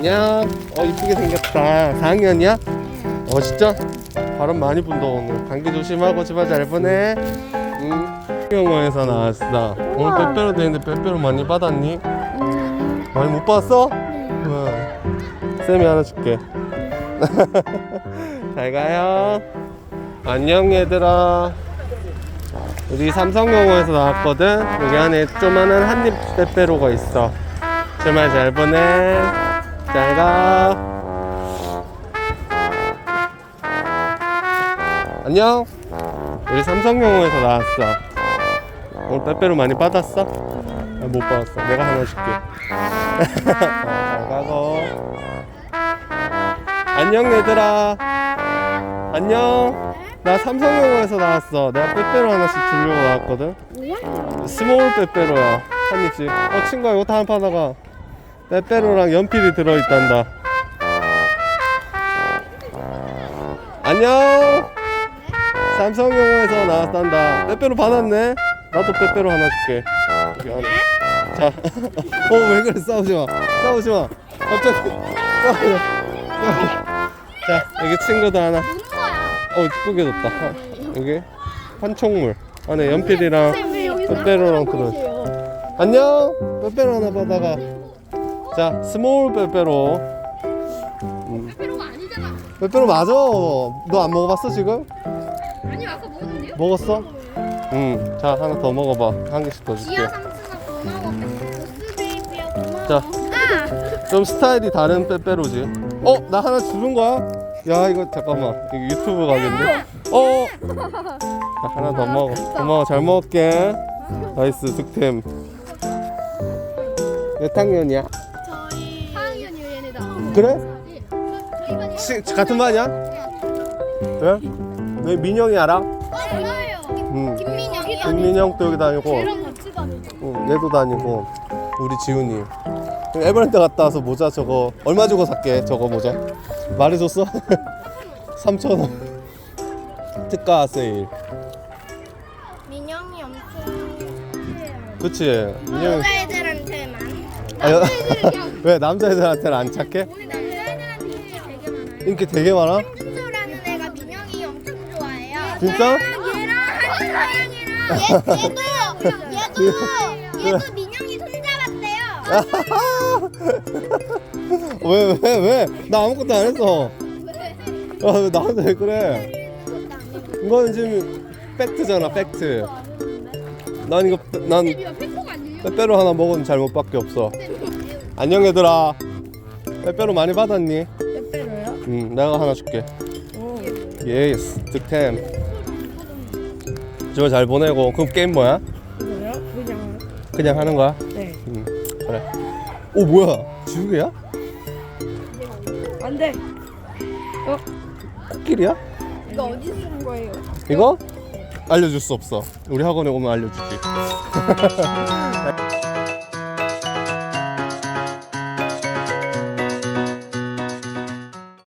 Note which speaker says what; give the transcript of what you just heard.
Speaker 1: 안녕. 이쁘게 생겼다. 4학년이야? 진짜? 바람 많이 분다 오늘. 감기 조심하고 집안 잘 보내. 영어에서 나왔어. 오늘 빼빼로 되는데 빼빼로 많이 받았니? 많이 못 받았어? 쌤이 하나 줄게. 잘 가요. 안녕 얘들아. 우리 삼성영어에서 나왔거든. 여기 안에 조그마한 한입 빼빼로가 있어. 주말 잘 보내. 잘 가. 안녕. 우리 삼성영어에서 나왔어. 오늘 빼빼로 많이 받았어? 못 받았어. 내가 하나 줄게. 잘 가고. 안녕 얘들아. 안녕. 나 삼성영어에서 나왔어. 내가 빼빼로 하나씩 주려고 나왔거든. 스몰 빼빼로야. 한 입씩. 친구야 이거 다 한 받아가. 빼빼로랑 연필이 들어있단다. 안녕. 삼성영어에서 나왔단다. 빼빼로 받았네. 나도 빼빼로 하나 줄게. 여기 안에. 자. 왜 그래. 싸우지마. 싸우지마. 갑자기 싸우지마. 자 여기 친구도 하나. 이쁘게 뒀다. 여기 판촉물 안에 연필이랑 빼빼로랑 들어있어. 안녕. 빼빼로 하나 받아가. 자 스몰 빼빼로.
Speaker 2: 빼빼로가 아니잖아.
Speaker 1: 빼빼로 맞아. 너 안 먹어봤어 지금?
Speaker 2: 아니 아까 먹었는데요?
Speaker 1: 먹었어? 자 하나 더 먹어봐. 한 개씩 더 줄게.
Speaker 2: 지아 삼촌아 고마워. 보스베이비야 고마워.
Speaker 1: 자 좀 스타일이 다른 빼빼로지. 나 하나 주는 거야? 야 이거 잠깐만 이거 유튜브 각인데. 자, 하나 더 먹어. 고마워. 잘 먹을게. 나이스 득템. 몇 학년이야?
Speaker 2: 저희 4학년이요 얘네다.
Speaker 1: 그래?
Speaker 2: 저희 반이.
Speaker 1: 같은 반이야? 왜? 너 민영이 알아?
Speaker 2: 몰라요. 김민영이.
Speaker 1: 김민영도 여기 다니고.
Speaker 2: 걔랑 같이 다니죠.
Speaker 1: 얘도 다니고. 우리 지훈이. 에버랜드 갔다 와서 모자 저거 얼마 주고 샀게? 저거 모자 말해줬어? 3,000원 특가 세일.
Speaker 2: 민영이 엄청.
Speaker 1: 그치? 민영이.
Speaker 2: 여자애들한테만.
Speaker 1: 아, 왜 남자애들한테는 안 착해?
Speaker 2: 우리 남자애들한테 인기 되게 많아요.
Speaker 1: 인기 되게 많아?
Speaker 2: 한주라는 애가 민영이 엄청 좋아해요.
Speaker 1: 진짜?
Speaker 2: 얘랑 한주랑이랑 얘도 민영이 손잡았대요.
Speaker 1: 왜? 나 아무것도 안 했어. 왜 나한테 왜 그래? 이거는 지금 팩트잖아, 팩트. 난 빼빼로 하나 먹은 잘못밖에 없어. 안녕 얘들아. 빼빼로 많이 받았니?
Speaker 2: 빼빼로요?
Speaker 1: 내가 하나 줄게. 예스, 득템. 주말 잘 보내고. 그럼 게임 뭐야?
Speaker 2: 그래요?
Speaker 1: 그냥 하는 거야?
Speaker 2: 네.
Speaker 1: 그래. 오 뭐야? 지우개야?
Speaker 2: 안 돼.
Speaker 1: 코끼리야?
Speaker 2: 이거 어디 쓰는 거예요?
Speaker 1: 이거? 알려줄 수 없어. 우리 학원에 오면 알려주지.